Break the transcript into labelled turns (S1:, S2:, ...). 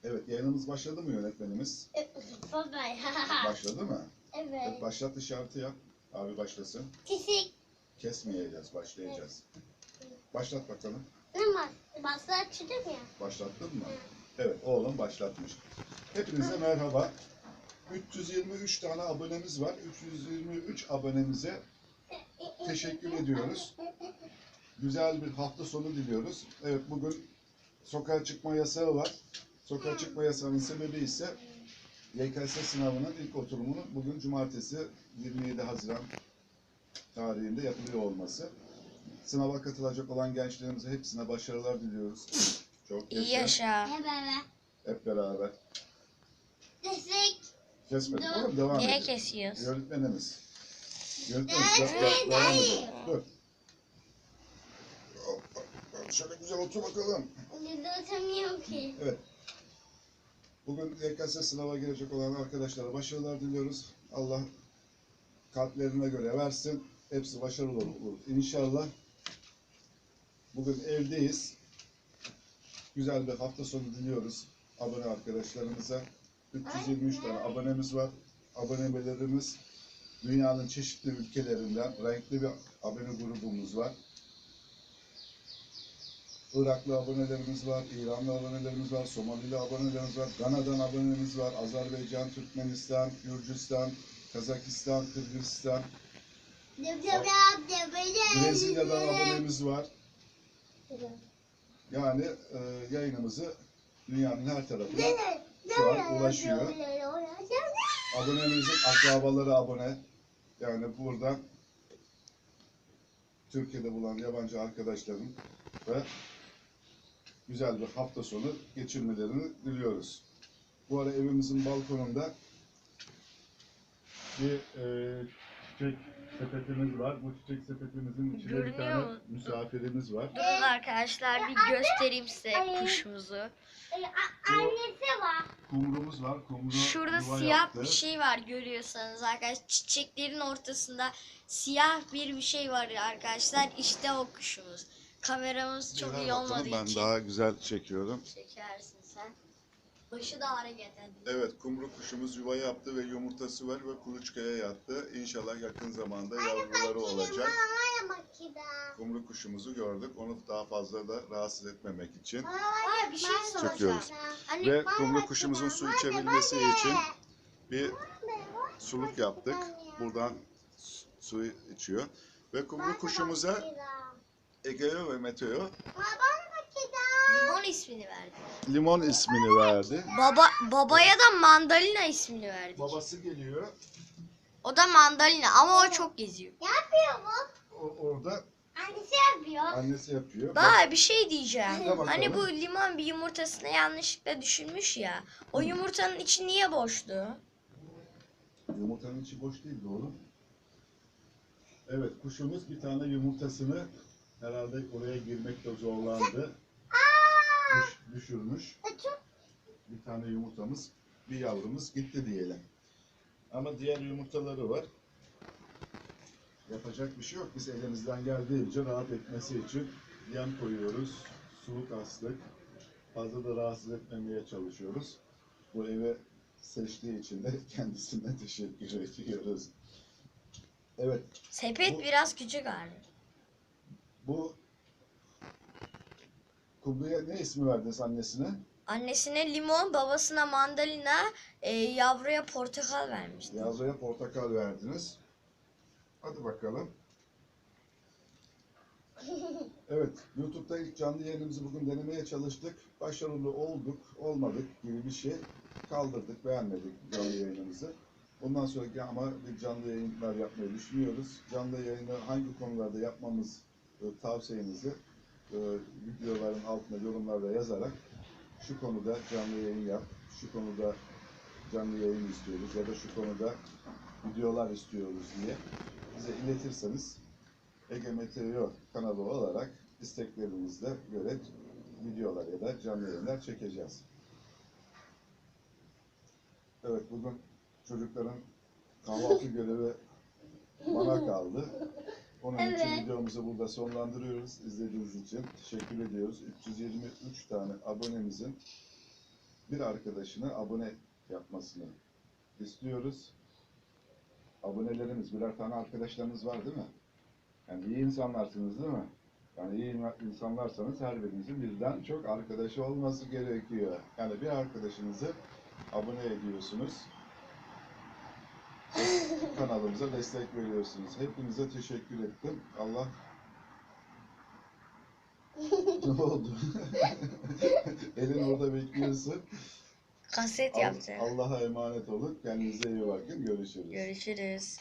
S1: Evet, yayınımız başladı mı yönetmenimiz?
S2: Baba ya.
S1: Başladı mı? Evet,
S2: Evet.
S1: başlat işareti yap. Abi başlasın.
S2: Kesik.
S1: Kesmeyeceğiz, başlayacağız. Başlat bakalım.
S2: Ama başlatırım ya.
S1: Başlattın mı? Evet, oğlum başlatmış. Hepinize merhaba. 323 tane abonemiz var. 323 abonemize teşekkür ediyoruz. Güzel bir hafta sonu diliyoruz. Evet, bugün sokağa çıkma yasağı var. Sokağa çıkma yasağının sebebi ise YKS sınavının ilk oturumunu bugün cumartesi 27 Haziran tarihinde yapılıyor olması. Sınava katılacak olan gençlerimize hepsine başarılar diliyoruz. Çok
S3: İyi
S1: yaşa.
S3: yaşa.
S2: Hep beraber.
S1: Hep beraber.
S2: Kesik.
S1: Kesmedik oğlum, devam
S3: Niye
S1: ediyoruz.
S3: kesiyoruz?
S1: Yönetmenimiz. Yönetmenimiz devam ediyor. Dur. Hoppa, şöyle güzel otur bakalım.
S2: Yüzde otamıyorum ki.
S1: Evet. Bugün YKS sınava girecek olan arkadaşlara başarılar diliyoruz. Allah kalplerine göre versin. Hepsi başarılı olur İnşallah. Bugün evdeyiz. Güzel bir hafta sonu diliyoruz abone arkadaşlarımıza. 323 tane abonemiz var. Abonelerimiz dünyanın çeşitli ülkelerinden renkli bir abone grubumuz var. Iraklı abonelerimiz var, İranlı abonelerimiz var, Somalili abonelerimiz var, Gana'dan abonelerimiz var, Azerbaycan, Türkmenistan, Gürcistan, Kazakistan, Kırgızistan, Brezilya'dan abonemiz var. Yani yayınımızı dünyanın her tarafına şu an ulaşıyor. Abonemizin akrabaları abone. Yani burada Türkiye'de bulunan yabancı arkadaşların ve güzel bir hafta sonu geçirmelerini diliyoruz. Bu ara evimizin balkonunda bir çiçek sepetimiz var. Bu çiçek sepetimizin içinde bir
S3: Görünüyor
S1: tane
S3: mu?
S1: misafirimiz var.
S3: Durun arkadaşlar bir göstereyim size kuşumuzu.
S2: Annesi var.
S1: Kumrumuz var. Kumru
S3: Şurada
S1: yuva
S3: siyah
S1: yaptı.
S3: bir şey var görüyorsanız arkadaşlar. Çiçeklerin ortasında siyah bir şey var arkadaşlar. İşte o kuşumuz. Kameramız çok
S1: Ver
S3: iyi
S1: bakalım,
S3: olmadığı
S1: ben
S3: için.
S1: daha güzel çekiyorum.
S3: Çekersin sen. Başı da hareketli.
S1: Evet, kumru kuşumuz yuva yaptı ve yumurtası var ve kuluçkaya yattı. İnşallah yakın zamanda yavruları olacak. Kumru kuşumuzu gördük. Onu daha fazla da rahatsız etmemek için
S3: Aa, bir şey soracağım.
S1: çekiyoruz.
S3: Hani
S1: Ve kumru kuşumuzun su içebilmesi için bir suluk yaptık. Buradan suyu içiyor. Ve kumru kuşumuza Egeo ve Meteo
S3: limon ismini verdi.
S1: limon ismini verdi.
S3: Babaya da mandalina ismini verdik.
S1: Babası geliyor.
S3: O da mandalina ama o çok geziyor.
S2: Ne yapıyor bu?
S1: Orada
S2: Annesi yapıyor.
S1: annesi yapıyor.
S3: Daha bir şey diyeceğim.
S1: De bakalım.
S3: Hani bu limon bir yumurtasını yanlışlıkla düşürmüş ya. O yumurtanın içi niye boştu?
S1: Yumurtanın içi boş değil oğlum. Evet, kuşumuz bir tane yumurtasını herhalde oraya girmekte zorlandı. Düşürmüş. Bir tane yumurtamız, bir yavrumuz gitti diyelim. Ama diğer yumurtaları var. Yapacak bir şey yok. Biz elimizden geldiğince rahat etmesi için yem koyuyoruz. Suluk astık. Fazla da rahatsız etmemeye çalışıyoruz. Bu evi seçtiği için de kendisine teşekkür ediyoruz. Evet,
S3: Sepet
S1: Bu-
S3: biraz küçük hali.
S1: bu kumruya ne ismi verdiniz annesine?
S3: Annesine limon, babasına mandalina, yavruya portakal vermişti.
S1: Yavruya portakal verdiniz. Hadi bakalım. Evet, YouTube'da ilk canlı yayınımızı bugün denemeye çalıştık. Başarılı olduk, olmadık gibi bir şey. Kaldırdık, beğenmedik canlı yayınımızı. Bundan sonraki ama bir canlı yayınlar yapmayı düşünüyoruz. Canlı yayını hangi konularda yapmamız tavsiyenizi videoların altına yorumlarda yazarak şu konuda canlı yayın yap, şu konuda canlı yayın istiyoruz ya da şu konuda videolar istiyoruz diye bize iletirseniz Ege Meteo kanalı olarak isteklerinize göre videolar ya da canlı yayınlar çekeceğiz. Evet, bugün çocukların kahvaltı görevi bana kaldı. Onun için videomuzu burada sonlandırıyoruz. İzlediğiniz için teşekkür ediyoruz. 323 tane abonemizin bir arkadaşını abone yapmasını istiyoruz. Abonelerimiz birer tane arkadaşlarınız var değil mi? Yani iyi insanlarsınız değil mi? Yani iyi insanlarsanız her birinizin birden çok arkadaşı olması gerekiyor. Yani bir arkadaşınızı abone ediyorsunuz. Kanalımıza destek veriyorsunuz. Hepinize teşekkür ettim. Allah ne oldu? Elin orada bekliyorsun.
S3: Kaset yapacağım.
S1: Allah'a emanet olun. Kendinize iyi bakın. Görüşürüz.
S3: Görüşürüz.